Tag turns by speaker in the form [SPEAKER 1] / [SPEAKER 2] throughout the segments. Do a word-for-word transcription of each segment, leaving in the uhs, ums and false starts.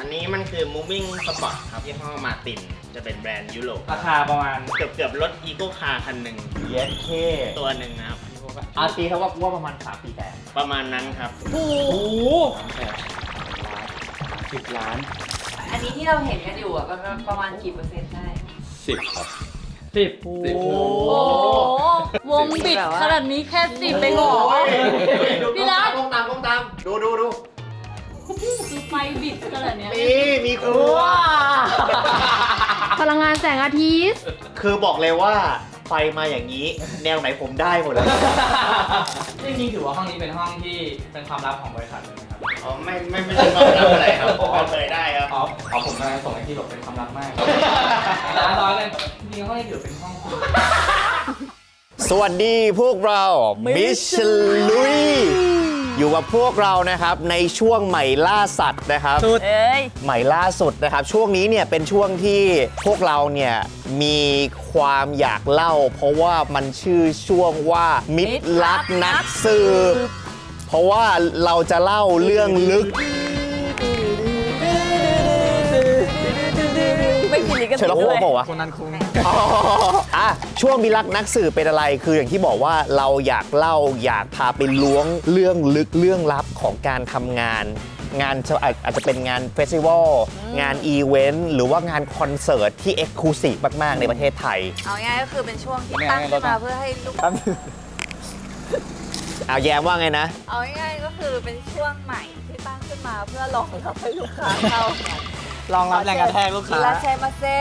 [SPEAKER 1] นี้มันคือ moving spot ครับยี่ห้อมาตินจะเป็นแบรนด์ยุโรป
[SPEAKER 2] ราคาประมาณ
[SPEAKER 1] เกือบเกือบรถอีโก้คาร์คันหนึ่ง
[SPEAKER 2] เย็นเค
[SPEAKER 1] ตัวหนึ่งนะครับ
[SPEAKER 2] อาตีเขาว่าว่าประมาณสามสี่แสน
[SPEAKER 1] ประมาณนั้นครับ
[SPEAKER 2] โอ้โหสามแสนสิบล้าน
[SPEAKER 3] อันนี้ที่เราเห็นกันอยู่อ่ะประมาณกี่เปอร์เซ็นต์ได้
[SPEAKER 4] สิบครับ
[SPEAKER 2] สิบ
[SPEAKER 4] สิ
[SPEAKER 2] โอ้
[SPEAKER 4] บ
[SPEAKER 2] โห
[SPEAKER 5] โอ้วงบิดขนาดนี้แค่สิบไปหรอพี่รัก
[SPEAKER 1] ก้มตามก้มตามดูดูดู
[SPEAKER 5] คือไฟบิดขนาดเนี้ย
[SPEAKER 1] มีมีครัว
[SPEAKER 6] พลังงานแสงอาทิตย์
[SPEAKER 1] คือบอกเลยว่าไฟมาอย่างนี้ แนวไหนผมได้หมดแล้ว
[SPEAKER 2] จริงๆถือว่าห้องนี้เป็นห้องที่เป็นความลับของบริษัทเลยไหมครับ
[SPEAKER 1] อ๋อไม่ไม่ไม่ใช่ความลับอะไรครับผมเปิดเผยได้ครับ
[SPEAKER 2] อ๋ออ๋อผมกำลังส่งให้ที่หลบเป็นความลับมากร้านร้อยเลยจริงๆห้องนี้ถือเป็นห้อง
[SPEAKER 1] สวัสดีพวกเรามิชลุยอยู่กับพวกเรานะครับในช่วงใหม่ล่าสัตว์นะครับ
[SPEAKER 5] เอ้ย
[SPEAKER 1] ใหม่ล่าสุดนะครับ ช่วงนี้เนี่ยเป็นช่วงที่พวกเราเนี่ยมีความอยากเล่า เพราะว่ามันชื่อช่วงว่ามิตรรักนักสืบเพราะว่าเราจะเล่าเรื่องลึก
[SPEAKER 5] ไม่กินลิกัน
[SPEAKER 1] เชอร์ล็อกโฮมส์บอกว่า
[SPEAKER 2] คนนั้นคุ้ง
[SPEAKER 1] อ๋ออ่ะช่วงมิตรรักนักสืบเป็นอะไรคืออย่างที่บอกว่าเราอยากเล่าอยากพาไปล้วงเรื่องลึกเรื่องลับของการทำงาน งานจะอาจจะเป็นงานเฟสติวัลงานอีเวนต์หรือว่างานคอนเสิร์ตที่เอ็กซ์คลูซีฟมาก ๆ ในประเทศไทย
[SPEAKER 3] เอาง่ายก็คือเป็นช่วงที่ตั้งขึ้นมาเพื่อให้ลูก
[SPEAKER 1] เอาแย้มว่าไงนะ
[SPEAKER 3] เอาง่ายก็คือเป็นช่วงใหม่ที่ตั้งขึ้นมาเพื่อรองรับให้ลูกค้าเข้า
[SPEAKER 2] ลองรับแรงกระแทกลูกค้า
[SPEAKER 3] อิราเชมาเซ่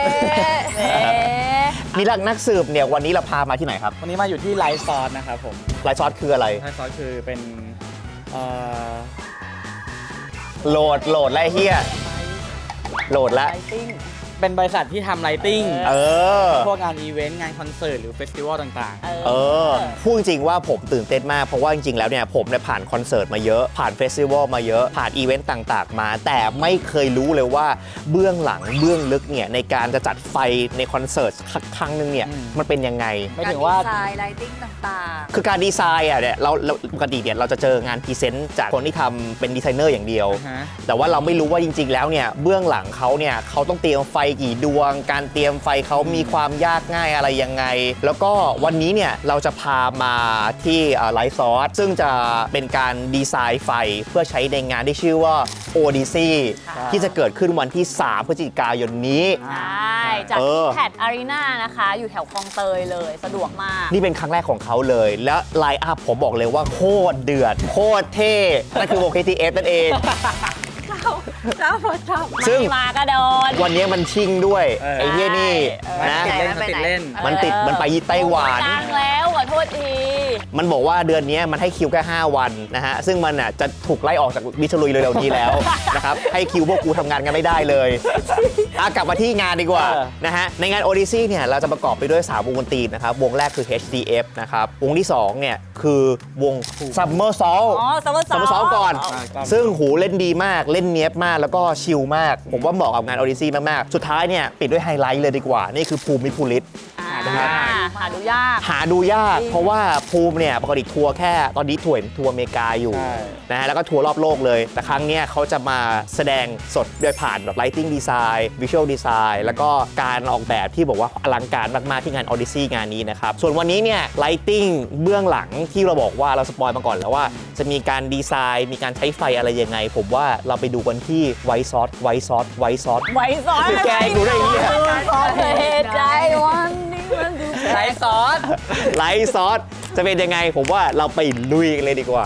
[SPEAKER 1] มิตรรักนักสืบเนี่ยวันนี้เราพามาที่ไหนครับ
[SPEAKER 2] วันนี้มาอยู่ที่ไลฟ์ซอสนะครับผม
[SPEAKER 1] ไลฟ์ซอสคืออะไร
[SPEAKER 2] ไลฟ์ซอสคือเป็นเอ่อ
[SPEAKER 1] โหลดโหลดแล้วไอ้เฮียโหลดแล้ว
[SPEAKER 2] เป็นบริษัทที่ทำไลติ้ง
[SPEAKER 1] เออ
[SPEAKER 2] พวกงานอีเวนต์งานคอนเสิร์ตหรือเฟสติวัลต่าง
[SPEAKER 1] เออพูดจริงว่าผมตื่นเต้นมากเพราะว่าจริงๆแล้วเนี่ยผมเนี่ยผ่านคอนเสิร์ตมาเยอะผ่านเฟสติวัลมาเยอะผ่านอีเวนต์ต่างๆมา แต่ไม่เคยรู้เลยว่าเบื้องหลังเบื้องลึกเนี่ยในการจะจัดไฟในคอนเสิร์ตครั้งหนึงเนี่ยมันเป็นยังไง
[SPEAKER 2] ๆ ไม่ถึงว่า
[SPEAKER 3] ดีไซน์ไลติ้งต่าง
[SPEAKER 1] คือการดีไซน์อ่ะเนี่ยเราเราปกติเนี่ยเราจะเจองานพรีเซนต์จากคนที่ทำเป็นดีไซเนอร์อย่างเดียว
[SPEAKER 2] อ่าฮะ
[SPEAKER 1] แต่ว่าเราไม่รู้ว่าจริงๆแล้วเนี่ยเบื้องหลังเขาเนี่ยเขาต้องเตรียมไฟกี่ดวง การเตรียมไฟเขามีความยากง่ายอะไรยังไง แล้วก็วันนี้เนี่ยเราจะพามาที่ไลฟ์ซอสซึ่งจะเป็นการดีไซน์ไฟเพื่อใช้ในงานที่ชื่อว่า Odyssey ที่จะเกิดขึ้นวันที่ สาม พฤศจิกายนนี้
[SPEAKER 5] ใช่จาก
[SPEAKER 1] เออ
[SPEAKER 5] แพดอารีนานะคะ อยู่แถวคลองเตยเลยสะดวกมาก
[SPEAKER 1] นี่เป็นครั้งแรกของเขาเลย แล้วไลน์อัพผมบอกเลยว่าโคตรเดือด โคตรเท่ นั่นคือวง เค ที เอฟ นั่นเอง
[SPEAKER 3] ๆเจ้าพระเจ้า
[SPEAKER 1] ซึ่ง
[SPEAKER 5] ไม่มากระโดด
[SPEAKER 1] วันนี้มันชิงด้วย
[SPEAKER 2] เออ
[SPEAKER 1] ไอ้เหี้ยนี่
[SPEAKER 5] เออ
[SPEAKER 1] นะ
[SPEAKER 2] ติดเล่น
[SPEAKER 3] ไป
[SPEAKER 2] ติด
[SPEAKER 3] ไหน
[SPEAKER 2] เล่น
[SPEAKER 1] มันติดมันไปไต้หวัน
[SPEAKER 5] กลางแล้วขอโทษที
[SPEAKER 1] มันบอกว่าเดือนนี้มันให้คิวแค่ห้าวันนะฮะ ซึ่งมันอ่ะจะถูกไล่ออกจากมิชลุยเร็วๆนี้แล้ว นะครับ ให้คิวพวกกูทำงานกันไม่ได้เลยอ่ะกลับมาที่งานดีกว่า
[SPEAKER 2] เออ
[SPEAKER 1] นะฮะ ในงาน Odyssey เนี่ยเราจะประกอบไปด้วยสามวงดนตรีนะครับ วงแรกคือ เอช ดี เอฟ นะครับ วงที่สองเนี่ยคือวง Summer Soul
[SPEAKER 5] อ๋อซัมเมอร์ซ
[SPEAKER 1] Summer Soul ก่อน ซึ่งหูเล่นดีมากเล่นเนี้ยบมากแล้วก็ชิลมาก ผมว่าเหมาะกับงาน Odyssey มากๆ สุดท้ายเนี่ยปิดด้วยไฮไลท์เลยดีกว่า นี่คือภูมิภูริศ
[SPEAKER 5] อ่า
[SPEAKER 1] นะครับ
[SPEAKER 5] หาดูยาก
[SPEAKER 1] หาดูยาก เพราะว่าภูมิเนี่ยปกติทัวร์แค่ตอนนี้ทัวร์ทัวร์อเมริกาอยู่
[SPEAKER 2] ใช่
[SPEAKER 1] นะฮะแล้วก็ทัวร์รอบโลกเลย แต่ครั้งเนี้ยเขาจะมาแสดงสดโดยผ่านแบบ lighting design visual design แล้วก็การออกแบบที่บอกว่าอลังการมากๆที่งาน Odyssey งานนี้นะครับส่วนวันนี้เนี่ย lighting เบื้องหลังที่เราบอกว่าเราสปอยมาก่อนแล้วว่าจะมีการดีไซน์มีการใช้ไฟอะไรยังไง ผมว่าเราไปดูกันที่ไวซอสไวซอสไวซอส
[SPEAKER 5] ไว้ซ้อน
[SPEAKER 1] แกงดูได้ไงเนี่ย
[SPEAKER 5] เหตุใจวันนี้มันดู
[SPEAKER 2] ไลฟ์ซอส
[SPEAKER 1] ไลท์ซอสจะเป็นยังไงผมว่าเราไปลุยกันเลยดีกว่า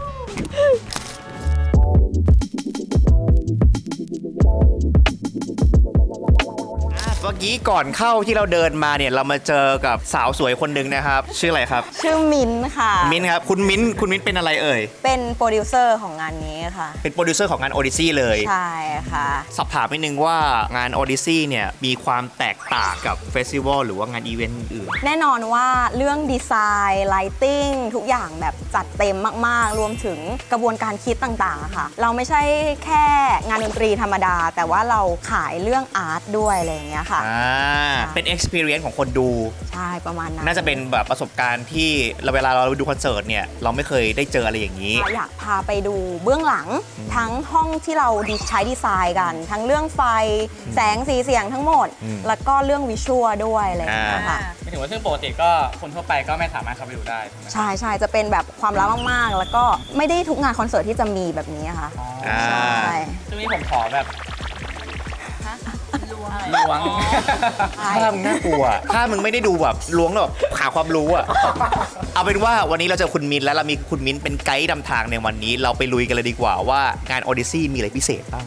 [SPEAKER 1] เมื่อกี้ก่อนเข้าที่เราเดินมาเนี่ยเรามาเจอกับสาวสวยคนหนึ่งนะครับ ชื่ออะไรครับ
[SPEAKER 7] ชื่อมิ้นท์ค่ะ
[SPEAKER 1] มิ้นท์ครับคุณมิ้นท์คุณมิ้นท์เป็นอะไรเอ่ย
[SPEAKER 7] เป็นโปรดิวเซอร์ของงานนี้ค่ะ
[SPEAKER 1] เป็นโปรดิวเซอร์ของงาน Odyssey เลย
[SPEAKER 7] ใช่ค่ะ
[SPEAKER 1] สอบถามนิดนึงว่างาน Odyssey เนี่ยมีความแตกต่างกับเฟสติวัลหรือว่างานอีเวนต์อื่น
[SPEAKER 7] แน่นอนว่าเรื่องดีไซน์ไลติ้งทุกอย่างแบบจัดเต็มมากๆ รวมถึงกระบวนการคิดต่างๆอะค่ะ เราไม่ใช่แค่งานดนตรีธรรมดา แต่ว่าเราขายเรื่องอาร์ตด้วยอะไรอย่างเงี้ยค่ะ
[SPEAKER 1] อ่าเป็น experience ของคนดู
[SPEAKER 7] ใช่ประมาณนั้น
[SPEAKER 1] น่าจะเป็นแบบประสบการณ์ที่เราเวลาเราดูคอนเสิร์ตเนี่ยเราไม่เคยได้เจออะไรอย่างนี้
[SPEAKER 7] อยากพาไปดูเบื้องหลังทั้งห้องที่เราใช้ดีไซน์กัน ทั้งเรื่องไฟแสงสีเสียงทั้งหมด
[SPEAKER 1] อืม
[SPEAKER 7] แล้วก็เรื่องวิชวลด้วยอะไรอย่างเงี้ยค่ะ
[SPEAKER 2] ไม่ถึงว่าซึ่งปกติก็คนทั่วไปก็ไม่สามารถเข้าไปดูได้ถูกไหม
[SPEAKER 7] ใช่ใช่จะเป็นแบบความลับมากๆ แล้วก็ไม่ได้ทุกงานคอนเสิร์ตที่จะมีแบบนี้ค่ะ
[SPEAKER 1] อ่า
[SPEAKER 7] ใช่
[SPEAKER 2] ซึ่งนี่ผมขอแบบ
[SPEAKER 3] ล้วง
[SPEAKER 2] ล้วง
[SPEAKER 1] ถ้ามึงน่ากลัว ถ้ามึงไม่ได้ดูแบบล้วงแล้วแบบหาความรู้อะเอาเป็นว่าวันนี้เราเจอคุณมิ้นท์แล้วเรามีคุณมิ้นท์เป็นไกด์นำทางในวันนี้ เราไปลุยกันเลยดีกว่าว่างาน Odyssey มีอะไรพิเศษบ้าง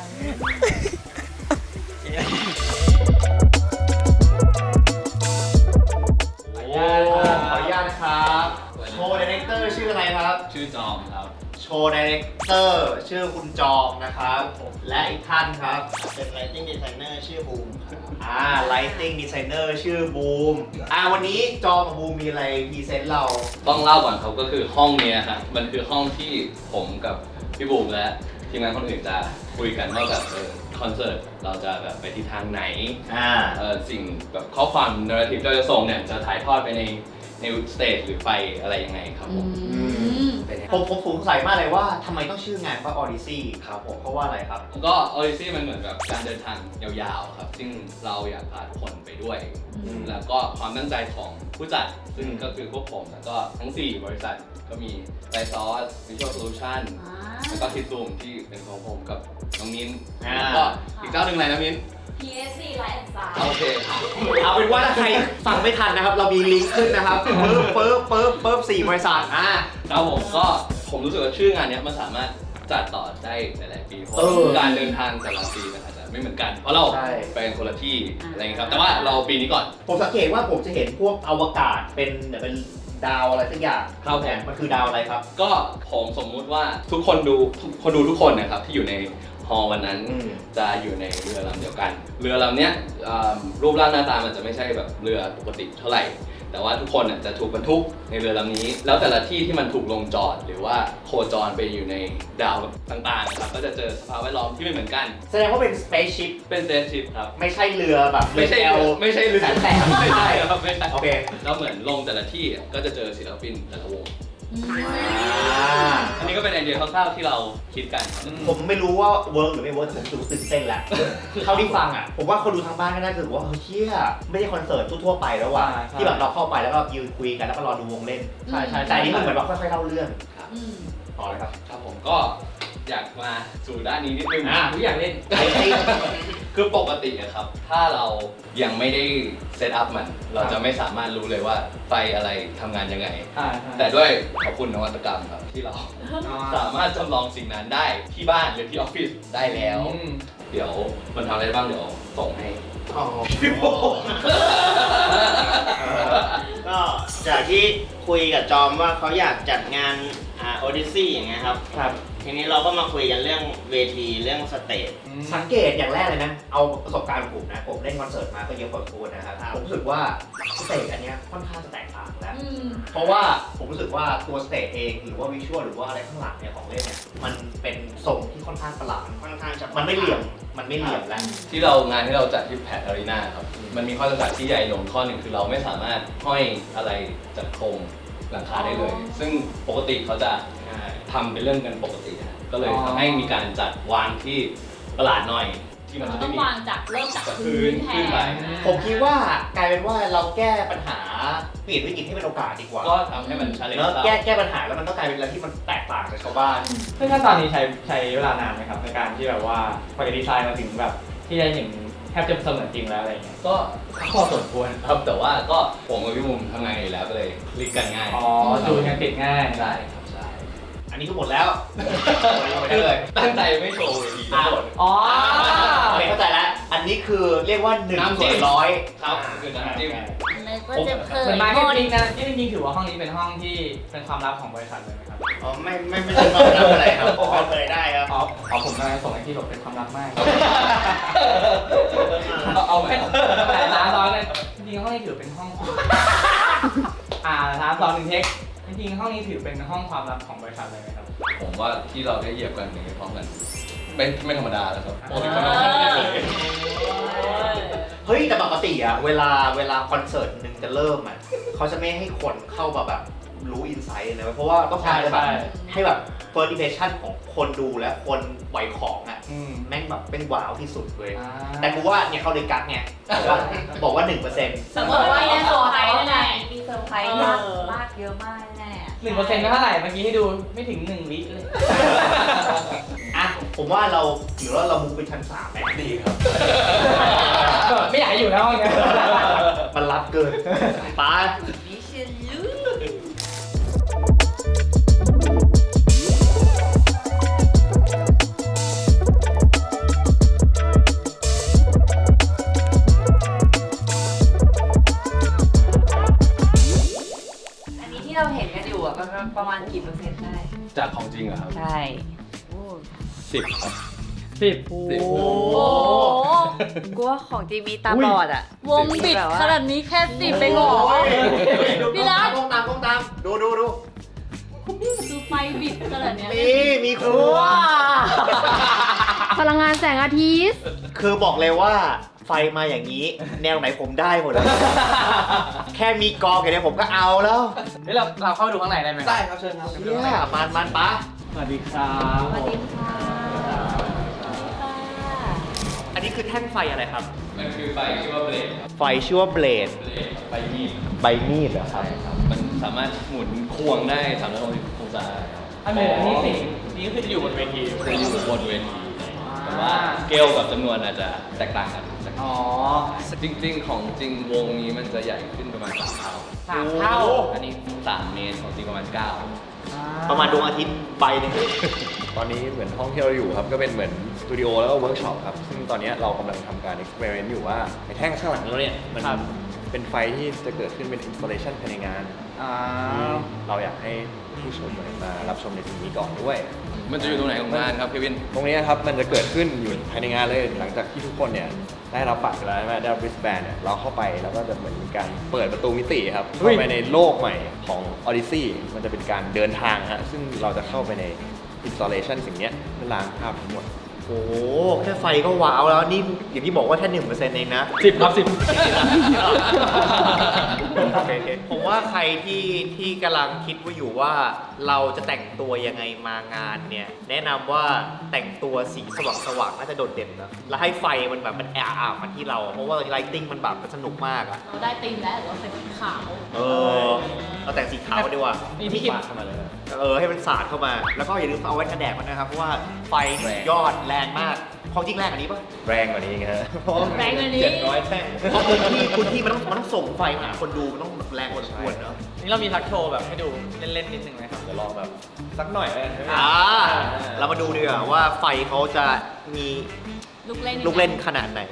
[SPEAKER 1] โอ้ขออนุญาตนะครับ โชว์ดีเรคเตอร์ชื่ออะไรครับ
[SPEAKER 2] ชื่อจอมครับ
[SPEAKER 1] โชว์ดีเรคเตอร์ชื่อคุณจอมนะครับ และอีกท่านครับ
[SPEAKER 4] เป็น Lighting Designer ชื่อบูมครับ
[SPEAKER 1] อ่า Lighting Designer ชื่อบูม อ่าวันนี้จอมกับบูมมีอะไรพรีเซนต์เรา
[SPEAKER 6] ต้องเล่าก่อนครับก็คือห้องเนี้ยครับมันคือห้องที่ผมกับพี่บูมและทีมงานคนอื่นจะคุยกันว่าแบบเออคอนเสิร์ตเราจะแบบไปทิศทางไหน
[SPEAKER 1] อ่า
[SPEAKER 6] เออสิ่งแบบข้อความนาร์ทีฟเราจะส่งเนี่ยจะถ่ายทอดไปในในสเตจหรือไปอะไรยังไงครับผม
[SPEAKER 5] อืม
[SPEAKER 6] เป็นไง
[SPEAKER 1] ผมผมสงสัยมากเลยว่าทำไมต้องชื่องานว่า Odyssey ครับผมเพราะว่าอะไรครับ
[SPEAKER 6] ก็ออริซี่มันเหมือนแบบการเดินทางยาวๆครับซึ่งเราอยากพาทุกคนไปด้วย
[SPEAKER 5] อืม
[SPEAKER 6] แล้วก็ความตั้งใจของผู้จัดซึ่งก็คือพวกผมแล้วก็ทั้งสี่บริษัทก็มีไ i ซอส Visual Solution
[SPEAKER 5] อ่า
[SPEAKER 6] แล้วก็คิดซูมที่เป็นของผมกับน้องมิ้น
[SPEAKER 1] อ่า
[SPEAKER 6] แล้วก็อีกเจ้าหนึ่งอะไรนะมิ้น
[SPEAKER 5] พี เอส ซี Light and Sound
[SPEAKER 6] โอเค
[SPEAKER 1] เอาเป็นว่าถ้าใครฟังไม่ทันนะครับ เรามีลิงก์ขึ้นนะครับปึ๊บปึ๊บปึ๊บปึ๊บสี่บริษัทอ่า
[SPEAKER 6] ครับผมก็ผมรู้สึกว่าชื่องานเนี้ยมันสามารถจัดต่อได้หลายๆปีเพราะ
[SPEAKER 1] เออ
[SPEAKER 6] การเดินทางแต่ละปีมันอาจจะไม่เหมือนกัน เพราะเรา
[SPEAKER 1] ใช่
[SPEAKER 6] ไปกันคนละที่อะไรอย่างเงี้ยครับแต่ว่าเราปีนี้ก่อน
[SPEAKER 1] ผมสังเกตว่าผมจะเห็นพวกอวกาศเป็นเป็นดาวอะไรสักอย่าง
[SPEAKER 6] ครับผม
[SPEAKER 1] แผนมันคือดาวอะไรครับ
[SPEAKER 6] ก็ผมสมมุติว่าทุกคนดูทุกคนดูทุกคนนะครับที่อยู่ในฮอลล์วันนั้น
[SPEAKER 1] อืม
[SPEAKER 6] จะอยู่ในเรือลำเดียวกัน เรือลำเนี้ยเอ่อรูปร่างหน้าตามันจะไม่ใช่แบบเรือปกติเท่าไหร่ แต่ว่าทุกคนน่ะจะถูกบรรทุกในเรือลำนี้ แล้วแต่ละที่ที่มันถูกลงจอดหรือว่าโคจรไปอยู่ในดาวต่างๆนะครับก็จะเจอสภาพแวดล้อมที่ไม่เหมือนกัน
[SPEAKER 1] แสดงว่าเป็น spaceship
[SPEAKER 6] เป็นเซนชิพครับ
[SPEAKER 1] ไม่ใช่เรือแบบ
[SPEAKER 6] ไม่ใช่
[SPEAKER 1] เรือ
[SPEAKER 6] เรือ
[SPEAKER 1] แอล
[SPEAKER 6] ไม่ใช่เรือ
[SPEAKER 1] แสนแสบ
[SPEAKER 6] ไม่ใช่ครับไม่ใช่
[SPEAKER 1] โอเค
[SPEAKER 6] แล้วเหมือนลงแต่ละที่อ่ะก็จะเจอศิลปินแต่ละวง
[SPEAKER 1] อ่า
[SPEAKER 6] อันนี้ก็เป็นไอเดียคร่าวๆที่เราคิดกันครับ
[SPEAKER 1] ผมไม่รู้ว่าเวิร์กหรือไม่เวิร์กแต่ผมรู้สึกตื่นเต้นแหละเท่าที่ฟังอ่ะ ผมว่าคนดูทางบ้านก็น่าจะรู้สึกว่าเฮ้ยเชี่ยไม่ใช่คอนเสิร์ตทั่วๆไปแล้วว่ะ
[SPEAKER 2] ใช่ใช่
[SPEAKER 1] ที่แบบเราเข้าไปแล้วก็ยืนคุยกันแล้วก็รอดูวงเล่น
[SPEAKER 2] ใช่ใช่
[SPEAKER 1] แต่อันนี้มันเหมือนว่าค่อยๆเล่าเรื่อง
[SPEAKER 5] อืม
[SPEAKER 1] ต่อเลยครับ
[SPEAKER 6] ครับผมก็อยากมาสู่ด้านนี้นิดนึง
[SPEAKER 1] อ่ะ
[SPEAKER 2] ทุกอย่างเล่น
[SPEAKER 1] ไอ้ไอ้
[SPEAKER 6] คือปกติอะครับ ถ้าเรายังไม่ได้เซตอัพมัน เราจะไม่สามารถรู้เลยว่าไฟอะไรทำงานยังไง
[SPEAKER 2] ใช่ใช่
[SPEAKER 6] แต่ด้วยขอบคุณนวัตกรรมครับที่เรา สามารถจำลองสิ่งนั้นได้ที่บ้านหรือที่ออฟฟิศได้แล้ว
[SPEAKER 2] อืม
[SPEAKER 6] เดี๋ยวมันทำอะไรบ้างเดี๋ยวส่งให้
[SPEAKER 1] อ๋อ
[SPEAKER 4] ก็จากที่คุยกับจอมว่าเขาอยากจัดงานอ่าโอดิซี่อย่างเงี้ยครับ
[SPEAKER 1] ครับ
[SPEAKER 4] ทีนี้เราก็มาคุยกันเรื่องเวทีเรื่องสเตจ
[SPEAKER 1] สังเกตอย่างแรกเลยนะ เอาประสบการณ์ของผมนะ ผมเล่นคอนเสิร์ตมาก็เยอะพอสมควรนะครับ ผมรู้สึกว่าสเตจอันเนี้ยค่อนข้างจะแตกต่างแล้ว
[SPEAKER 5] อืม
[SPEAKER 1] เพราะว่าผมรู้สึกว่าตัวสเตจเองหรือว่าวิชวลหรือว่าอะไรข้างหลังเนี่ยของเล่นเนี่ยมันเป็นทรงที่ค่อนข้างประหลาด
[SPEAKER 4] ค่อนข้างจะ
[SPEAKER 1] มันไม่เหลี่ยม มันไม่เหลี่ยมแล้ว
[SPEAKER 6] ที่เรางานที่เราจัดที่แพทอารีนาครับ มันมีข้อจำกัดที่ใหญ่ลงข้อหนึ่งคือเราไม่สามารถห้อยอะไรจากโครงหลังคาได้เลย
[SPEAKER 5] อ๋อ
[SPEAKER 6] ซึ่งปกติเขาจะทำเป็นเรื่องกันปกตินะก็เลยทำให้มีการจัดวางที่ประหลาดหน่อย ที่มัน
[SPEAKER 5] เรา
[SPEAKER 6] จะ
[SPEAKER 5] ต้
[SPEAKER 6] ไม่
[SPEAKER 5] อง
[SPEAKER 6] มี
[SPEAKER 5] วางจากเริ่มจาก
[SPEAKER 6] จาก
[SPEAKER 5] พื้นแท
[SPEAKER 6] พื้นขึ้นไป
[SPEAKER 5] น
[SPEAKER 1] ผมคิดว่ากลายเป็นว่าเราแก้ปัญหาเปลี่ยนวิกฤตให้เป็นโอกาสดีกว่า
[SPEAKER 6] ก็ทำให้มันชาเลนจ์
[SPEAKER 1] แล้ว
[SPEAKER 6] เรา
[SPEAKER 1] แก้แก้ปัญหาแล้วมันก็กลายเป็นอะไรที่มันแตกต่างจากชาวบ้าน
[SPEAKER 2] ซึ่งขั้นตอนนี้ใช้ใช้เวลานานไหมครับในการที่แบบว่ากว่าจะดีไซน์มาถึงแบบที่จะเห็นแทบจะเสมือนจริงแล้วอะไรอย่างเงี้ย
[SPEAKER 6] ก็พอสมควรครับแต่ว่าก็ผมกับพี่มุมทำงานอยู่แล้วก็เลยคลิกกันง่าย
[SPEAKER 2] อ๋อจูนกันติดง่าย
[SPEAKER 6] ใช่ครับใช่
[SPEAKER 1] อันนี้ก็หมดแล้วหมดได้เลย
[SPEAKER 6] ตั้งใจไม่โชว์เวทีทั้งหมด
[SPEAKER 2] อ๋อ
[SPEAKER 1] โอเคเข้าใจแล้ว อันนี้คือเรียกว่าหนึ่ง
[SPEAKER 6] น้ำจิ้
[SPEAKER 1] ส่ว
[SPEAKER 6] ม
[SPEAKER 1] นร้อย
[SPEAKER 6] ครับคือน้ำจิ้ม
[SPEAKER 3] เลยก็จะเผ
[SPEAKER 2] เหมื
[SPEAKER 3] ย
[SPEAKER 2] อนมาร์
[SPEAKER 3] ห
[SPEAKER 2] เก็ต
[SPEAKER 3] มด
[SPEAKER 2] ติ้งนะที่จริงๆถือว่าห้องนี้เป็นห้องที่เป็นความลับของบริษัทเลยไหมครับ
[SPEAKER 4] อ๋อไม่ไม่ไม่ใช่ความลับอะไรครับเปิดเผยได้ครับ
[SPEAKER 2] อ๋ออ๋อผมกำลังส่งให้ที่หลบเป็นความลับมาก
[SPEAKER 6] เอาเอาไหม
[SPEAKER 2] แต่ร้านร้อนเลยจริงๆห้องนี้ถือเป็นห้อง อ่าร้านร้อนหนึ่งเทคจริงๆห้องนี้ถือเป็นห้องความลับของบริษัทเลยไหมครับ
[SPEAKER 6] ผมว่าที่เราได้เหยียบกันอย่างนี้พร้อมกันไม่ไม่ธรรมดาแล้วครับปกติ
[SPEAKER 5] เอ
[SPEAKER 6] เขาไม่ทำกันเลย
[SPEAKER 5] อ
[SPEAKER 1] เฮ้ยแต่ติอะเวลาเวลาคอนเสิร์ตหนึ่งจะเริ่มอะเขาจะไม่ให้คนเข้ามาแบบรู้อินไซต์นะเพราะว่าต้องการจะแบบให้แบบ first impression ของคนดูและคนไหวของอะ
[SPEAKER 2] อืม
[SPEAKER 1] แม่งแบบเป็นว้าวที่สุดเลย
[SPEAKER 2] อ่า
[SPEAKER 1] แต่กูว่าเนี่ยเขาเลยกักไงบอกว่าบอกว่าหนึ่งเปอร์เซ็นต์
[SPEAKER 5] สมมติว่ามีเซอร์ไพรส์แน่
[SPEAKER 3] มีเซอร์ไพรส์มากมากเยอะมากแน่
[SPEAKER 2] หนึ่งเปอร์เซ็นต์ก็เท่าไหร่เมื่อกี้ให้ดูไม่ถึงหนึ่งวิเลย
[SPEAKER 1] อ่ะผมว่าเราหรือว่าเรามุกเป็นชั้นสามไหม
[SPEAKER 6] ดีครับ
[SPEAKER 2] แบบไม่อยากให้อยู่ในห้องเนี้ย
[SPEAKER 1] มันรับเกินไป
[SPEAKER 3] วิเชียนลู อันนี้ที่เราเห็นกันอยู่อะประมาณประมาณกี่เปอร์เซ็นต์ได้
[SPEAKER 6] จากของจริงเหรอครับ
[SPEAKER 3] ใช่
[SPEAKER 6] สิบครับ
[SPEAKER 2] สิบ
[SPEAKER 6] สิบ
[SPEAKER 5] โอ้โห
[SPEAKER 3] กูว่าของจริงมีตาบอดอะ
[SPEAKER 5] วงบิดขนาดนี้แค่สิบไปหรอ พี่รัก
[SPEAKER 1] ก้มตามก้มตามดูดูดู
[SPEAKER 5] คือไฟบิดขนาดเนี้ย
[SPEAKER 1] มีมีครัว
[SPEAKER 8] พลังงานแสงอาทิตย์
[SPEAKER 1] คือบอกเลยว่าไฟมาอย่างนี้ แนวไหนผมได้หมดแล้ว แค่มีกองอย่างนี้ผมก็เอาแล้ว
[SPEAKER 2] เฮ้ยเราเราเข้าไปดูข้างในได้ไหม
[SPEAKER 6] ได้ครับเชิญครับ
[SPEAKER 1] เนี่ยมันมันปะ
[SPEAKER 2] สวัสดีครับ
[SPEAKER 3] สวัสดีค่ะ
[SPEAKER 1] อันนี้คือแท่งไฟอะไรครับ
[SPEAKER 6] มันคือไฟชื่อว่าเบลดครับ
[SPEAKER 1] ไฟชื่อว่าเบลด
[SPEAKER 6] เบลดไฟมีด
[SPEAKER 1] ใบมีดเหรอครับ
[SPEAKER 6] มันสามารถหมุนควงได้สามร้อยหกสิบองศาครับ
[SPEAKER 2] อันนี้อันนี้สินี่ก็คือจะอยู่บนเวที
[SPEAKER 6] จะอยู่บนเวทีแต่ว่าสเกลกับจำนวนอาจจะแตกต่างกันสัก
[SPEAKER 2] อ๋อ
[SPEAKER 6] จริงๆ ของจริงวงนี้มันจะใหญ่ขึ้นประมาณสามเท่า
[SPEAKER 2] สามเท่า
[SPEAKER 6] อันนี้สามเมตรของจริงประมาณเก้า
[SPEAKER 1] ประมาณดวงอาทิตย์ใบหนึง
[SPEAKER 9] ตอนนี้เหมือนห้องที่เราอยู่ครับก็เป็นเหมือนสตูดิโอแล้วก็เวิร์กช็อปครับซึ่งตอนนี้เรากำลังทำการเอ็กซ์เพร์เมนต์อยู่ว่าไอ้แท่งข้างหลังเราเนี่ยมัน
[SPEAKER 2] ครับ
[SPEAKER 9] เป็นไฟที่จะเกิดขึ้นเป็นอินสตาเลชันภายในงาน
[SPEAKER 2] อ่า
[SPEAKER 9] เราอยากให้ผู้ชมมารับชมในสิ่งนี้ก่อนด้วย
[SPEAKER 6] มันจะอยู่ตรงไหนของงานครับเควิน
[SPEAKER 9] ตรงนี้ครับมันจะเกิดขึ้นอยู่ภายในงานเลยหลังจากที่ทุกคนเนี่ยได้รับบัตรไปแล้วใช่ไหมได้รับ wristband เนี่ยเราเข้าไปแล้วก็จะเหมือนมีการเปิดประตูมิติครับเข้าไปในโลกใหม่ของ Odyssey มันจะเป็นการเดินทางฮะซึ่งเราจะเข้าไปใน installation สิ่งเนี้ยเพื่อล้างภาพทั้งหมด
[SPEAKER 1] โอ้โหแค่ไฟก็ว้าวแล้วนี่อย่างที่บอกว่าแค่หนึ่งเปอร์เซ็นต์เองนะ
[SPEAKER 2] สิบครับสิบ
[SPEAKER 1] ผมว่าใครที่ที่กำลังคิดว่าอยู่ว่าเราจะแต่งตัวยังไงมางานเนี่ย แนะนำว่าแต่งตัวสีสว่างสว่างๆน่าจะโดดเด่นนะแล้วให้ไฟมันแบบมันแอบอาบมาที่เรา เพราะว่าไลติ้งมันแบบมันสนุกมากอะ
[SPEAKER 5] เราได้ตีมแล้วเราใส่สีขาว
[SPEAKER 1] เออเราแต่งสีขาวดีกว่า
[SPEAKER 2] นี่พี่กิน
[SPEAKER 1] เออให้มันสาดเข้ามา แล้วก็อย่าลืมเอาไว้กันแดดมันนะครับเพราะว่าไฟนี่ยอดแรงมากของจริงแรงกว่านี้ปะ
[SPEAKER 9] แรงกว่านี้อีกฮะ
[SPEAKER 5] แรงกว่านี้
[SPEAKER 9] เจ็ดร้อยแท่ง
[SPEAKER 1] เพราะพื้นที่พื้นที่มันต้องมันต้องส่งไฟมาหาคนดูมันต้องแรงกว่าสมควรเนาะ
[SPEAKER 2] นี่เรามีทักโชว์แบบให้ดูเล่นๆนิดนึงไหมครับ
[SPEAKER 9] เดี๋ยวลองแบบสักหน่อยแล้วกัน
[SPEAKER 1] อ่าเรามาดูดีกว่าว่าไฟเขาจะมี
[SPEAKER 5] ลูกเล่น
[SPEAKER 1] ลูกเล่นขนาดไหน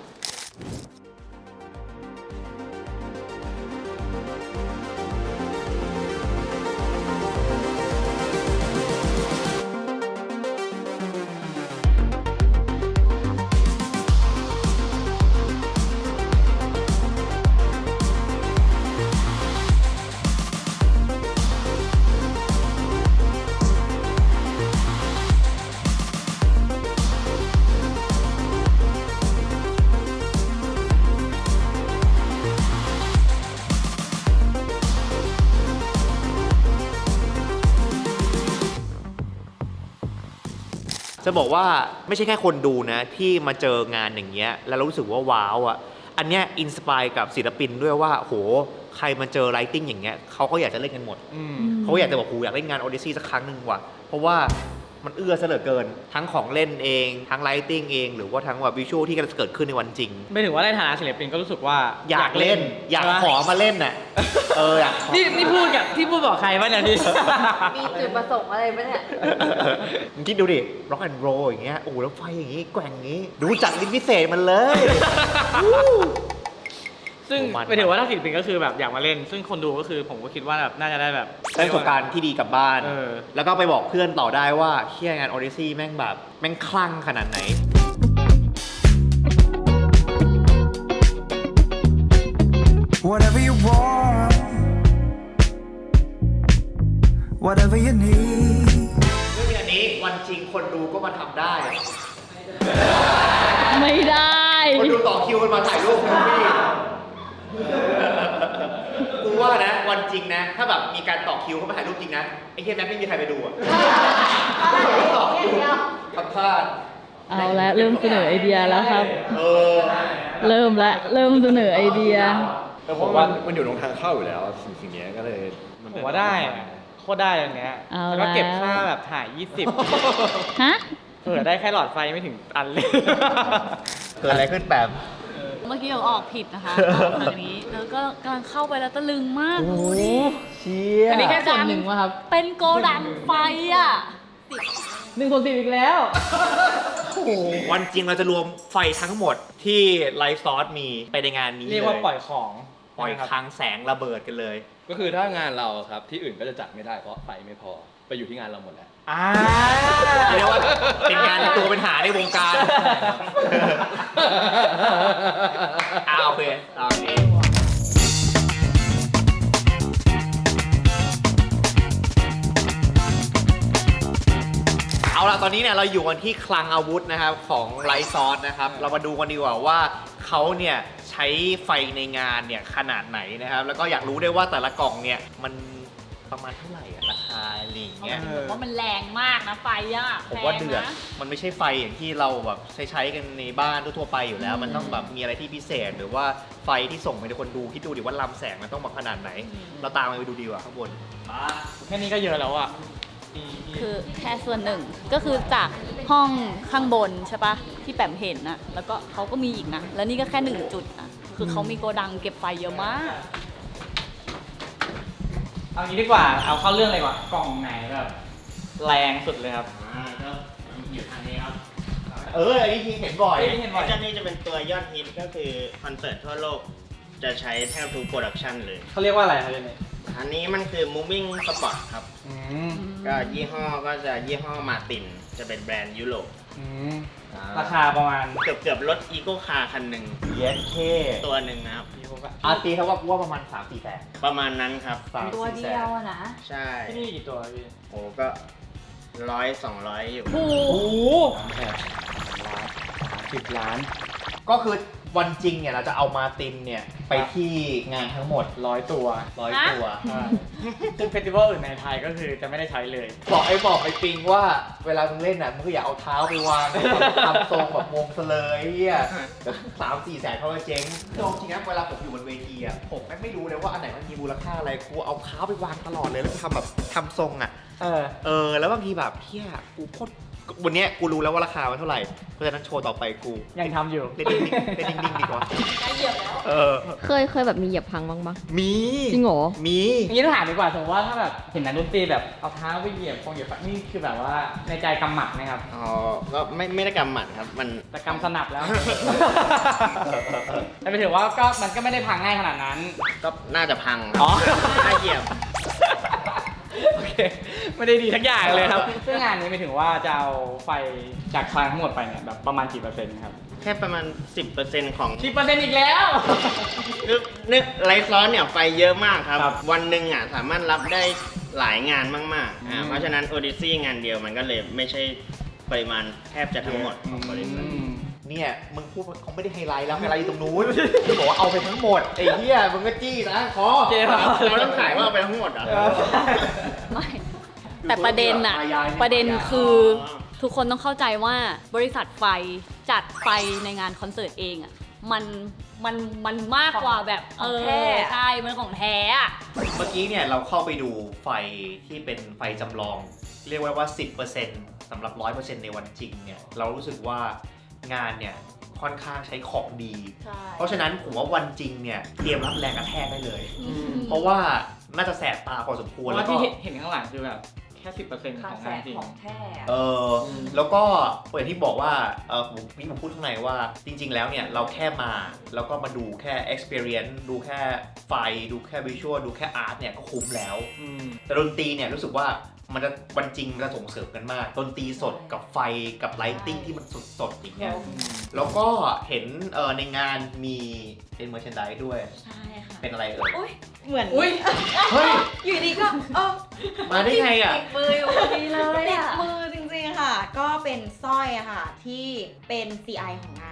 [SPEAKER 1] จะบอกว่าไม่ใช่แค่คนดูนะที่มาเจองานอย่างเงี้ยแล้วรู้สึกว่าว้าวอ่ะอันเนี้ยอินสปายกับศิลปินด้วยว่าโหใครมาเจอไลติ้งอย่างเงี้ยเขาก็อยากจะเล่นกันหมด
[SPEAKER 2] อืม
[SPEAKER 1] เขาอยากจะบอกโหอยากเล่นงาน Odyssey สักครั้งหนึ่งว่ะเพราะว่ามันเอื้อซะเหลือเกิน ทั้งของเล่นเองทั้งไลติ้งเองหรือว่าทั้งแบบวิชวลที่กำลังจะเกิดขึ้นในวันจริง
[SPEAKER 2] ไม่ถึงว่าในฐานะศิลปินก็รู้สึกว่า
[SPEAKER 1] อยากเล่น อยากขอมาเล่นน่ะเอออยากขอ
[SPEAKER 2] นี่นี่พูดกับที่พูดบอกใครวะเนี่ยพี่
[SPEAKER 3] มีจุดประสงค์อะไรปะเนี่ย
[SPEAKER 1] มึงคิดดูดิ rock and roll อย่างเงี้ย โอ้โห แล้วไฟอย่างงี้ แกว่งอย่างงี้ ดูจัดลิ้นพิเศษมันเลย
[SPEAKER 2] ซึ่ง
[SPEAKER 1] มัน
[SPEAKER 2] ไปถึงว่าถ้าศิลปินก็คือแบบอยากมาเล่น ซึ่งคนดูก็คือผมก็คิดว่าแบบน่าจะได้แบบ
[SPEAKER 1] ได้ประสบการณ์ที่ดีกลับบ้าน
[SPEAKER 2] เออ
[SPEAKER 1] แล้วก็ไปบอกเพื่อนต่อได้ว่าเฮียงาน Odyssey แม่งแบบ แม่งคลั่งขนาดไหน
[SPEAKER 10] Whatever you want, whatever you need.
[SPEAKER 1] ซึ่งอันนี้วันจริงคนดูก็มาทำได้
[SPEAKER 5] ไม่ได้
[SPEAKER 1] คนดูต่อคิวกันมาถ่ายรูปนะพี่กูว่านะวันจริงนะ ถ้าแบบมีการต่อคิวเข้ามาถ่ายรูปจริงนะไอ้เหี้ยแม่งไม่มีใครไปดูอ่ะต่อคิวทำพลาด
[SPEAKER 5] เอาละเริ่มเสนอไอเดียแล้วครับ
[SPEAKER 1] เออ
[SPEAKER 5] เริ่มละเริ่มเสนอไอเดีย
[SPEAKER 9] แต่ผมว่ามันอยู่ตรงทางเข้าอยู่แล้วสิ่งสิ่งนี้ก็เลยน
[SPEAKER 2] ผมว่าได้อะโคตรได้อันเนี้ย
[SPEAKER 5] เอา
[SPEAKER 2] แล้วก็เก็บ
[SPEAKER 5] แล้ว
[SPEAKER 2] ค่าแบบถ่ายยี่สิบ
[SPEAKER 5] ฮะ
[SPEAKER 2] เผื่อได้แค่หลอดไฟไม่ถึงอันเลย
[SPEAKER 1] เกิดอะไรขึ้นแปม
[SPEAKER 5] เมื่อกี้เราออกผิดนะคะออกทางนี้ แล้วก็กำลังเข้าไปแล้วตะลึงมากดูดิ
[SPEAKER 1] เชี่ย
[SPEAKER 5] อันนี้แค่ส่วนหนึ่งวะครับ เป็นโกดังไฟอ่ะหนึ่งส่วนสิบอีกแล้ว
[SPEAKER 1] วันจริงเราจะรวมไฟทั้งหมดที่ไลฟ์ซอสมีไปในงานนี้
[SPEAKER 2] เรียกว่าปล่อยของ
[SPEAKER 1] ปล่อย
[SPEAKER 2] นะครับ
[SPEAKER 1] คลังแสงระเบิดกันเลย
[SPEAKER 6] ก็คือถ้างานเราครับที่อื่นก็จะจัดไม่ได้เพราะไฟไม่พอไปอยู่ที่งานเราหมดแล้ว
[SPEAKER 1] อ่าเรียกว่าเป็นงานตัวเป็นหาในวงการอ่าโอเคตามนี้เอาล่ะตอนนี้เนี่ยเราอยู่กันที่คลังอาวุธนะครับของไลท์ซอสนะครับเรามาดูกันดีกว่าว่าเขาเนี่ยใช้ไฟในงานเนี่ยขนาดไหนนะครับแล้วก็อยากรู้ด้วยว่าแต่ละกล่องเนี่ยมันประมาณเท่าไหร่อะราคาอะไรอย่างเงี้ย
[SPEAKER 5] ว่ามันแรงมากนะไฟอ่ะ
[SPEAKER 1] ผมว่าเดือด
[SPEAKER 5] แรงนะ
[SPEAKER 1] มันไม่ใช่ไฟอย่างที่เราแบบใช้ใช้กันในบ้านทั่วๆไปอยู่แล้ว มันต้องแบบมีอะไรที่พิเศษ หรือว่าไฟที่ส่งไปให้คนดูคิดดูดิว่าลำแสงมันต้องมาขนาดไหน เราตามไปดูดีกว่าข้างบน
[SPEAKER 2] แค่นี้ก็เยอะแล้วอ่ะ
[SPEAKER 5] คือแค่ส่วนหนึ่งก็คือจากห้องข้างบนใช่ปะที่แปมเห็นนะแล้วก็เขาก็มีอีกนะ แล้วนี่ก็แค่หนึ่งจุดนะคือเขามีโกดังเก็บไฟเยอะมาก
[SPEAKER 2] เอางี้ดีกว่า เอาเข้าเรื่องเลยดีกว่ากล่องไหนแบบแรงสุดเลยครับ
[SPEAKER 4] อ่าก็อยู่ทางนี้ครับ
[SPEAKER 1] เอออันนี้ทีเห็นบ่อย
[SPEAKER 2] เอ้ย เห็นบ่อย
[SPEAKER 4] ไอ้เจ้านี่จะเป็นตัวยอดฮิตก็คือคอนเสิร์ตทั่วโลกจะใช้แทบทุกโปรดักชันเลย
[SPEAKER 2] เขาเรียกว่าอะไรครับเนี่ย
[SPEAKER 4] อันนี้มันคือ moving spot ครับ
[SPEAKER 2] อืม
[SPEAKER 4] ก็ยี่ห้อก็จะยี่ห้อมาตินจะเป็นแบรนด์ยุโรป
[SPEAKER 2] อืมราคาประมาณ
[SPEAKER 4] เกือบเกือบรถอีโก้คาร์คันหนึ่ง
[SPEAKER 1] เย็นเค
[SPEAKER 4] ตัวหนึ่งนะครับ
[SPEAKER 1] อาตีเขาว่ากูว่าประมาณ สามสี่แสน
[SPEAKER 4] ประมาณนั้นครับ
[SPEAKER 1] สาม
[SPEAKER 3] ตัว
[SPEAKER 1] สี่
[SPEAKER 3] เดี
[SPEAKER 1] แส
[SPEAKER 3] ย
[SPEAKER 1] น
[SPEAKER 3] วอะนะ
[SPEAKER 4] ใช่
[SPEAKER 2] ที่นี่กี่ตัวพี่
[SPEAKER 4] โอ้ก็ร้อยสองร้อยอยู่
[SPEAKER 5] โอ้โห
[SPEAKER 2] โอ้โห
[SPEAKER 9] สิบล้าน
[SPEAKER 1] ก็คือวันจริงเนี่ยเราจะเอามาตินเนี่ยไปที่งานทั้งหมด
[SPEAKER 2] ร้อยตัว
[SPEAKER 1] ร้อยตัว
[SPEAKER 2] ซึ่งเฟสติวัลอื่นในไทยก็คือจะไม่ได้ใช้เลย
[SPEAKER 1] บอกไอ้บอกไอ้ปิงว่าเวลามึงเล่นน่ะมึงก็อย่าเอาเท้าไปวางทำทรงแบบวงเสลยเฮียสามสี่แสนเขาก็เจ๊งคือจริงๆนะเวลาผมอยู่บนเวทีอ่ะผมแม่งไม่รู้เลยว่าอันไหนมันมีมูลค่าอะไรกูเอาเท้าไปวางตลอดเลยแล้วกูทำแบบทำทรงอ่ะ
[SPEAKER 2] เออ
[SPEAKER 1] เออแล้วบางทีแบบเฮียกูโคตรวันเนี้ยกูรู้แล้วว่าราคามันเท่าไหร่เพราะฉะนั้นโชว์ต่อไปกู
[SPEAKER 2] ยังทำอยู่
[SPEAKER 1] เล่นนิ่งๆเล่นนิ่งๆดีกว่าเออ
[SPEAKER 8] เคยเคยแบบมีเหยียบพังบ้างปะ
[SPEAKER 1] มี
[SPEAKER 8] จริงเหรอ
[SPEAKER 1] มี
[SPEAKER 2] อย่างนี้ต้องถามดีกว่าสมมติว่าถ้าแบบเห็นนักดนตรีแบบเอาเท้าไปเหยียบคงเหยียบนี่คือแบบว่าในใจกำหมัดไหมครับ
[SPEAKER 4] อ๋อ ก็ไม่ไม่ได้กำหมัดครับ มัน
[SPEAKER 2] แต่กำสนับแล้ว แต่ไปถือว่าก็มันก็ไม่ได้พังง่ายขนาดนั้น
[SPEAKER 4] ก็น่าจะพัง
[SPEAKER 2] อ๋อ
[SPEAKER 4] น่าเหยียบ
[SPEAKER 2] โอเค ไม่ได้ดีทักอย่างเลยครับ ซึ่งงานนี้ไม่ถึงว่าจะเอาไฟจากคลังทั้งหมดไปเนี่ยแบบประมาณกี่เปอร์เซ็นต์ครับ
[SPEAKER 4] แค่ประมาณ สิบเปอร์เซ็นต์ ของ
[SPEAKER 2] สิบเปอร์เซ็นต์อีกแล้ว
[SPEAKER 4] นึกนึกไลฟ์ซ้อนเนี่ยไฟเยอะมากครับ
[SPEAKER 2] ครับ
[SPEAKER 4] วันหนึ่งอ่ะสามารถรับได้หลายงานมากๆอ่า
[SPEAKER 2] อืม
[SPEAKER 4] เพราะฉะนั้น Odyssey งานเดียวมันก็เลยไม่ใช่ปริมาณแทบจะทั้งหมดของบริษัท
[SPEAKER 2] อืม
[SPEAKER 1] เนี่ยมึงพูดว่าเขาไม่ได้ไฮไลท์แล้วไฮไลท์อยู่ตรงนู้นมึงบอกว่าเอาไปทั้งหมดไอ้เหี้ยมึงก็จี้นะคอ
[SPEAKER 2] เจ๊ครับ
[SPEAKER 4] เราต้องขายว่าเอาไปทั้งหมดเหรอ
[SPEAKER 5] ไม่ แต่ประเด็นอะประเด็นคือทุกคนต้องเข้าใจว่าบริษัทไฟจัดไฟในงานคอนเสิร์ตเองอะมันมันมันมากกว่าแบบเออใช่มันของแท้อะ
[SPEAKER 1] เมื่อกี้เนี่ยเราเข้าไปดูไฟที่เป็นไฟจำลอง เรียกว่าว่า สิบเปอร์เซ็นต์ สำหรับ ร้อยเปอร์เซ็นต์ ในวันจริงเนี่ยเรารู้สึกว่างานเนี่ยค่อนข้างใช้ของดี
[SPEAKER 5] ใช่
[SPEAKER 1] เพราะฉะนั้นผมว่าวันจริงเนี่ยเตรียมรับแรงกระแทกได้เลย เพราะว่าน่าจะแสบตาพอสมควร
[SPEAKER 2] เพราะ
[SPEAKER 1] แล้
[SPEAKER 2] ว่าว
[SPEAKER 1] ก็
[SPEAKER 2] ที่เห็นเห็นข้างหลังคือแบบแค่สิบเปอร์เซ็นต์
[SPEAKER 3] ค่า
[SPEAKER 2] ของ
[SPEAKER 3] แส
[SPEAKER 2] งาน
[SPEAKER 3] ง
[SPEAKER 2] จริง
[SPEAKER 3] ของแท้อะ
[SPEAKER 1] เออแล้วก็อย่างที่บอกว่าเออผมพี่ผมพูดข้างในว่าจริง ๆ แล้วเนี่ยเราแค่มาแล้วก็มาดูแค่ experience ดูแค่ไฟดูแค่ visual ดูแค่ art เนี่ยก็คุ้มแล้ว
[SPEAKER 2] อืม
[SPEAKER 1] แต่ดนตรีเนี่ยรู้สึกว่ามันจะวันจริงมันจะส่งเสริมกันมากดนตรีสดกับไฟกับไลท์ติ้งที่มันสดๆอย่างเงี้ยแล้วก็เห็นเออในงานมีเป็นเมอร์ช n นด s e ด้วย
[SPEAKER 3] ใช่ค่ะ
[SPEAKER 1] เป็นอะไรเอ่ย
[SPEAKER 3] อุ้ยเหมือน
[SPEAKER 2] อุ้ย
[SPEAKER 1] เฮ้ย
[SPEAKER 3] อยู่ดีก็เออ
[SPEAKER 1] มาได้ไงอ่ะ
[SPEAKER 3] ติดมืออยู่พอดีเลย
[SPEAKER 7] ติด
[SPEAKER 3] อะ
[SPEAKER 7] มือจริงๆค่ะ ก็เป็นสร้อยอะค่ะ ที่เป็น ซี ไอ ของงานค่ะ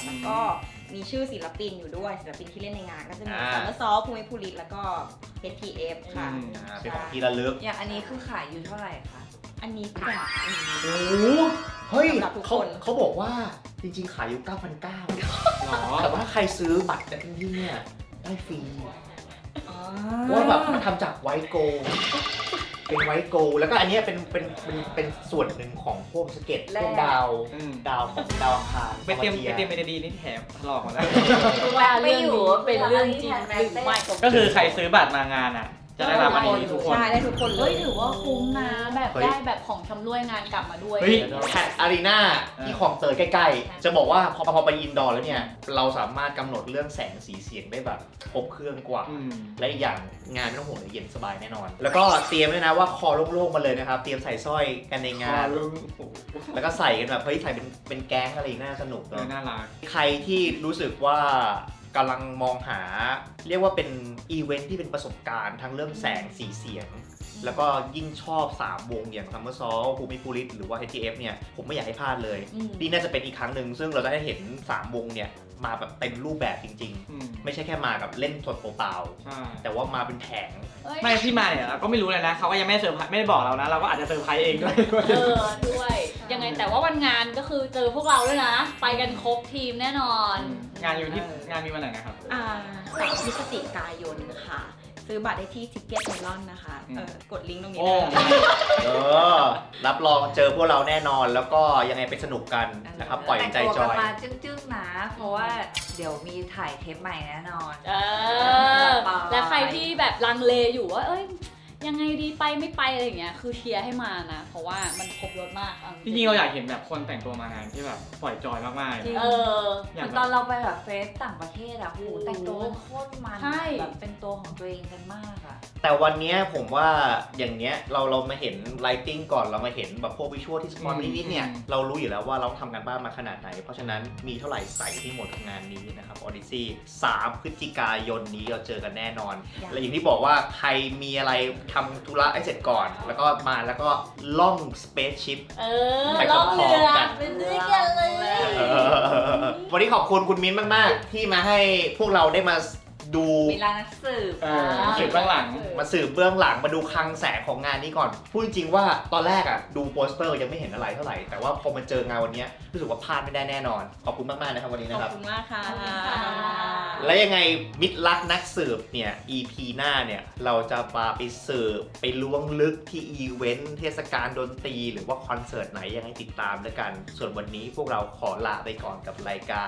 [SPEAKER 7] แล้วก็มีชื่อศิลปินอยู่ด้วยศิลปินที่เล่นในงานก็จะมี
[SPEAKER 1] อ่า
[SPEAKER 7] ซัมเมอร์ซอลภูมิภูริแล้วก็ เอช ที เอฟ ค่ะ
[SPEAKER 2] อืม
[SPEAKER 1] อ่าเป็นของที่ระลึก
[SPEAKER 3] อย่างอันนี้คือขายอยู่เท่าไหร่คะ
[SPEAKER 7] อันนี้แจกฟรี
[SPEAKER 1] โอ้โหเฮ้ย
[SPEAKER 7] สำหรับทุก
[SPEAKER 1] เขา
[SPEAKER 7] คน
[SPEAKER 1] เขาบอกว่าจริงๆ ขายอยู่ เก้าพันเก้าร้อย
[SPEAKER 2] หรอ
[SPEAKER 1] แต่ว่าใครซื้อบัตรจากที่เนี่ยได้ฟรี
[SPEAKER 7] อ๋อ
[SPEAKER 1] เพราะว่าแบบมันทำจากไวท์โกลด์เป็นไวท์โกลด์แล้วก็อันเนี้ยเป็นเป็นเป็นเป็นส่วนหนึ่งของพวกสเก็ตพวกดาว
[SPEAKER 2] อืม
[SPEAKER 1] ดาวของดาวอังคาร
[SPEAKER 2] ไปเตรียม
[SPEAKER 1] อาา
[SPEAKER 2] ไปเตรียมเมโลดี้นี่แถมถลอกหมดแล้ว
[SPEAKER 5] ว่าเรื่องนี้เป็นเรื่องจริงหรือไม่
[SPEAKER 2] ก็คือใครซื้อบัตรมางานอ่ะ จะได้รับอันนี้ทุกคน
[SPEAKER 7] ใช่ได้ทุกคนเล
[SPEAKER 5] เฮ้
[SPEAKER 7] ย
[SPEAKER 5] ยถือว่าคุ้มนะแบบได้แบบของชำร่วยงานกลับมาด้วย
[SPEAKER 2] เฮ้ย
[SPEAKER 1] แพดอารีนาที่คลองเตยใกล้ๆ จะบอกว่าพอพอไปอินดอร์แล้วเนี่ย เราสามารถกำหนดเรื่องแสงสีเสียงได้แบบครบเครื่องกว่า
[SPEAKER 2] อืม
[SPEAKER 1] และอีกอย่างงานไม่ต้องห่วงเลยเย็นสบายแน่นอน แล้วก็เตรียมด้วยนะว่าคอโล่งๆมาเลยนะครับ เตรียมใส่สร้อยกันในงาน แล้วก็ใส่กันแบบเฮ้ยใส่เป็นเป็นแก๊งอะไรน่าสนุก
[SPEAKER 2] เอ
[SPEAKER 1] เน
[SPEAKER 2] อ
[SPEAKER 1] อะ
[SPEAKER 2] น่ารัก
[SPEAKER 1] ใครที่รู้สึกว่ากำลังมองหา เรียกว่าเป็นอีเวนท์ที่เป็นประสบการณ์ทั้งเรื่องแสงสีเสียง แล้วก็ยิ่งชอบ สาม วงอย่าง Summer Soul ภูมิภูริหรือว่า เอช ที เอฟ เนี่ย ผมไม่อยากให้พลาดเลย
[SPEAKER 5] อืม
[SPEAKER 1] นี่น่าจะเป็นอีกครั้งหนึ่งซึ่งเราจะได้เห็น สาม วงเนี่ย มาแบบเต็มรูปแบบจริง
[SPEAKER 2] อืม
[SPEAKER 1] ๆ ไม่ใช่แค่มากับเล่นสดเปล่า
[SPEAKER 2] ใช่
[SPEAKER 1] ๆแต่ว่ามาเป็นแผง
[SPEAKER 5] เฮ้ย
[SPEAKER 2] ไม่ที่มาเนี่ยเราก็ไม่รู้เลยนะเขาก็ยังไม่เซอร์ไพรส์ไม่ได้บอกเรานะ เราก็อาจจะเซอร์ไพรส์เองด้วย
[SPEAKER 5] เออด้วย ยังไงแต่ว่าวันงานก็คือเจอพวกเราด้วยนะ ไปกันครบทีมแน่นอน
[SPEAKER 2] งานอยู่ที่งานมีวันไหนนะครับ
[SPEAKER 7] อ่าสามพฤศจิกายนค่ะ ซื้อบัตรได้ที่ทิกเก็ตเมลอนนะคะ
[SPEAKER 2] อืม
[SPEAKER 7] เออกดลิงก์ตรงนี้
[SPEAKER 2] โอ้
[SPEAKER 7] ได้เลย
[SPEAKER 1] เออ รับรองเจอพวกเราแน่นอน แล้วก็ยังไงไปสนุกกันนะครับ ปล่อยใจ
[SPEAKER 3] แต่ง
[SPEAKER 1] จ
[SPEAKER 3] ตัว
[SPEAKER 1] อ
[SPEAKER 3] กัน
[SPEAKER 1] ย
[SPEAKER 3] มาจึ้งๆนะ เพราะว่าเดี๋ยวมีถ่ายเทปใหม่แน่นอน
[SPEAKER 5] เออ และใครที่แบบลังเลอยู่ว่า เอ้ย ยังไงดีไปไม่ไปอะไรอย่างเงี้ย คือเชียร์ให้มานะ เพราะว่ามันครบรถมากเอา
[SPEAKER 2] จริงๆเราอยากเห็นแบบคนแต่งตัวมางานที่แบบปล่อยจอยมากๆ
[SPEAKER 3] จริง
[SPEAKER 5] เออ
[SPEAKER 3] เหมือนตอนเราไปแบบเฟสต่างประเทศอะโหแต่งตัวกันโคตรมัน
[SPEAKER 5] ใช่
[SPEAKER 3] แบบเป็นตัวของตัวเองกันมากอะ
[SPEAKER 1] แต่วันเนี้ยผมว่าอย่างเนี้ยเราเรามาเห็นไลติ้งก่อนเรามาเห็นแบบพวกวิชวลที่สปอนนิดๆเนี่ย
[SPEAKER 2] อืม
[SPEAKER 1] เรารู้อยู่แล้วว่าเราทำกันบ้านมาขนาดไหน เพราะฉะนั้นมีเท่าไหร่ใส่ที่หมดกับงานนี้นะครับออดิซี่สามพฤศจิกายนนี้เราเจอกันแน่นอน และอย่างที่บอกว่าใครมีอะไรทำธุระให้เสร็จก่อน แล้วก็มาแล้วก็ล่องสเปซชิพ
[SPEAKER 5] เออ
[SPEAKER 1] ไป
[SPEAKER 5] ล่องเรือ
[SPEAKER 1] พร้อมๆกัน
[SPEAKER 5] เป็นด้วยกันเลย
[SPEAKER 1] วันนี้ขอบคุณคุณมิ้นท์มาก ๆ ที่มาให้พวกเราได้มาดู
[SPEAKER 3] เวลานักสืบ
[SPEAKER 2] เออสืบเบื้องหลัง
[SPEAKER 1] มาสืบเบื้องหลังมาดูคลังแสงของงานนี้ก่อน พูดจริง ๆ ว่าตอนแรกอ่ะดูโปสเตอร์ยังไม่เห็นอะไรเท่าไหร่ แต่ว่าพอมาเจองานวันนี้รู้สึกว่าพลาดไม่ได้แน่นอน ขอบคุณมาก ๆ นะครับวันนี้
[SPEAKER 7] ข
[SPEAKER 1] นะ
[SPEAKER 7] อบ
[SPEAKER 1] ครับ
[SPEAKER 7] คุณมากค่ะ
[SPEAKER 5] ขอบคุณค่ะ
[SPEAKER 1] และยังไงมิตรรักนักสืบเนี่ย อี พี หน้าเนี่ย เราจะมาไปสืบไปล้วงลึกที่อีเวนต์เทศกาลดนตรีหรือว่าคอนเสิร์ตไหนยังไงติดตามด้วยกัน ส่วนวันนี้พวกเราขอลาไปก่อนกับรายการ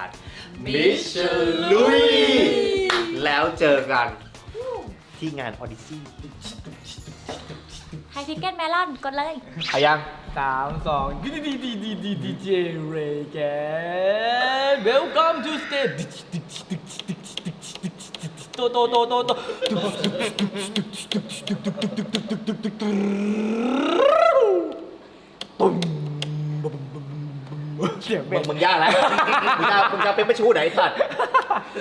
[SPEAKER 1] Mister Louis แล้วเจอกันที่งาน Odyssey
[SPEAKER 5] ไทยทิกเก็ตเมลอนกดเลย
[SPEAKER 1] เอายัง
[SPEAKER 2] สามสองดีดีดีดีดีดีเจเรแกน Welcome to stage โตโตโตโตโตปุ้มเสียง
[SPEAKER 1] มึ
[SPEAKER 2] เป็
[SPEAKER 1] ง
[SPEAKER 2] น
[SPEAKER 1] มึงยากแล้ว มึงจะมึงจะเป็นประชูไหนสัตว์